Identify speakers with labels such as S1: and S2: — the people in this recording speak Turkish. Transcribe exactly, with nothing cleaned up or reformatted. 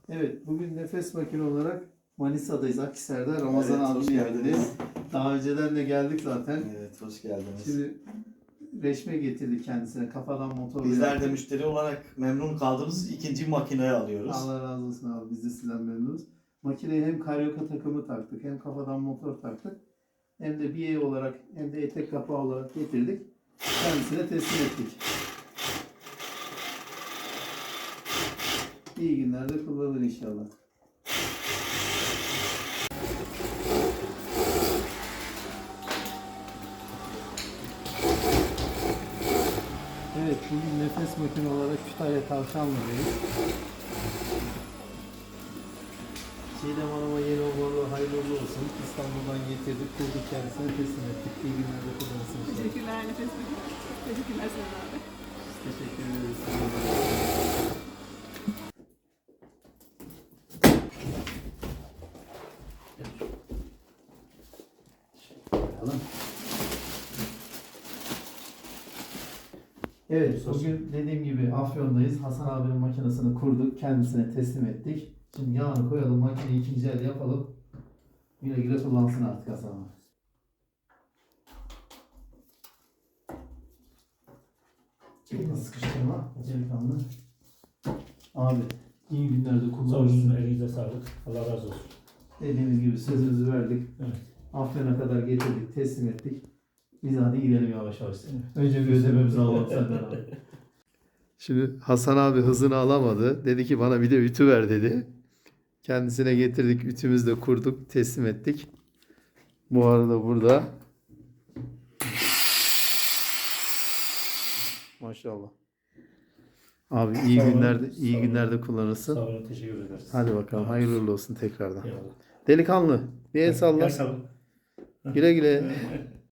S1: Evet, bugün nefes makine olarak Manisa'dayız, Akhisar'da. Ramazan
S2: Evet, hoş
S1: abinin
S2: geldiniz.
S1: yerinde. Daha önceden de geldik zaten.
S2: Evet, hoş geldiniz.
S1: Şimdi reşme getirdik kendisine, kafadan motor.
S2: Bizler de müşteri olarak memnun kaldığımız ikinci makineyi alıyoruz.
S1: Allah razı olsun abi, biz de sizden memnunuz. Makineye hem karyoka takımı taktık, hem kafadan motor taktık. Hem de biye olarak, hem de etek kapağı olarak getirdik. Kendisine teslim ettik. İyi günlerde kullanır inşallah. Evet, bugün nefes makine olarak Kütahya Tavşanlı'dayız. Çiğdem Hanım'a yeni uğurlu, hayırlı uğurlu olsun. İstanbul'dan getirdik, kurduk, kendisine teslim ettik. İyi günlerde kullanırsın inşallah.
S3: Teşekkürler nefes makine. Teşekkürler Sedat abi.
S1: Teşekkür ederiz. Bakalım. Evet, bugün dediğim gibi Afyon'dayız. Hasan abinin makinesini kurduk, kendisine teslim ettik. Şimdi yağını koyalım, makineyi ikinci el yapalım. Güle güle kullansın artık Hasan abi. Elini sıkıştırma, delikanlı. Abi, iyi günlerde
S4: Sağ olun,
S1: kullanırsın.
S4: elinize sağlık. Allah razı olsun.
S1: Dediğimiz gibi sözümüzü verdik.
S4: Evet.
S1: Afyon'a kadar getirdik, teslim ettik. Biz hadi gidelim yavaş yavaş. Önce bir ödememizi alalım senden abi. Şimdi Hasan abi hızını alamadı. Dedi ki bana bir de ütü ver dedi. Kendisine getirdik, ütümüzü de kurduk, teslim ettik. Bu arada burada. Maşallah. Abi iyi
S4: Sağ olun,
S1: günlerde iyi
S4: sağ olun.
S1: günlerde kullanırsın.
S4: Sağ olun, teşekkür ederiz.
S1: Hadi bakalım, hayırlı uğurlu olsun tekrardan.
S4: Eyvallah.
S1: Delikanlı bir el salla.
S4: Gel sağ olun.
S1: Güle güle.